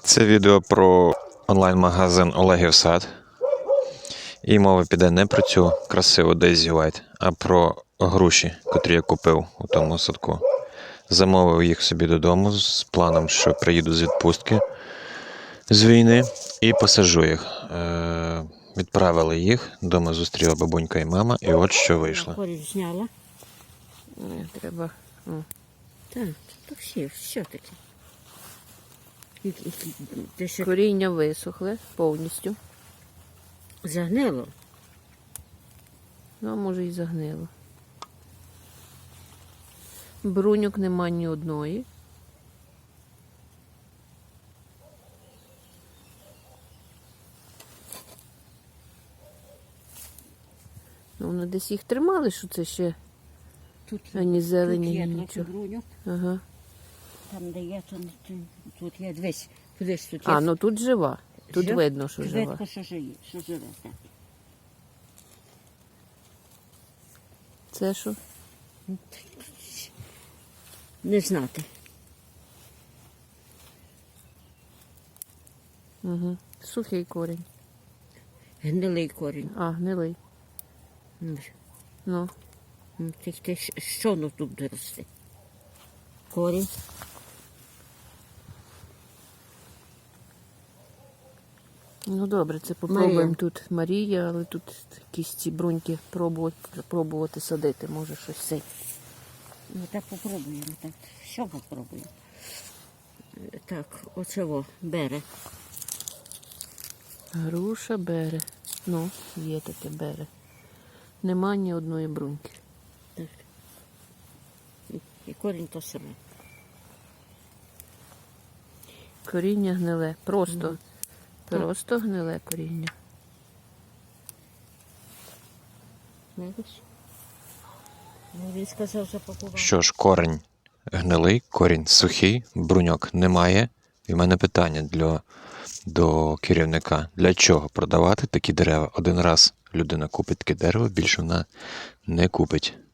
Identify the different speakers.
Speaker 1: Це відео про онлайн-магазин Олегів Сад. І мова піде не про цю красиву Daisy White, а про груші, котрі я купив у тому садку. Замовив їх собі додому з планом, що приїду з відпустки з війни і посаджу їх. Відправили їх, вдома зустріла бабунька і мама, і от що вийшло.
Speaker 2: Корінь зняла.
Speaker 3: Треба. О.
Speaker 2: Так, то все таке. Те, що
Speaker 3: Коріння висохле повністю.
Speaker 2: загнило.
Speaker 3: Ну, а може і загнило. Бруньок нема ні одної. Ну, вони десь їх тримали, що це ще
Speaker 2: Тут,
Speaker 3: ані зелені,
Speaker 2: тут є
Speaker 3: ні
Speaker 2: трохи
Speaker 3: нічого.
Speaker 2: бруньок,
Speaker 3: Ага.
Speaker 2: там де є, тут є, дивись, кудись тут є.
Speaker 3: А, ну тут жива. Тут
Speaker 2: Жив-
Speaker 3: видно, що жива.
Speaker 2: Видно, що живе, так.
Speaker 3: Це що?
Speaker 2: Не знати.
Speaker 3: Угу. Сухий корінь.
Speaker 2: Гнилий корінь.
Speaker 3: А, гнилий. Ну.
Speaker 2: Що воно тут буде рости? Корінь.
Speaker 3: Ну добре, це попробуємо
Speaker 2: Марія.
Speaker 3: тут Марія, але тут якісь ці бруньки пробувати садити, може щось це.
Speaker 2: Ну так попробуємо, так. Що попробуємо? Так, оцього бере.
Speaker 3: Груша бере. Ну, є таке бере. Нема ні одної бруньки.
Speaker 2: Так. І корінь то саме.
Speaker 3: Коріння гниле. Просто.
Speaker 2: Так.
Speaker 3: Просто гниле коріння.
Speaker 2: Знаєш? Ну, він сказав, запакував.
Speaker 1: Що ж, корінь гнилий, корінь сухий, бруньок немає. І в мене питання до керівника. Для чого продавати такі дерева? Один раз людина купить таке дерево, більше вона не купить.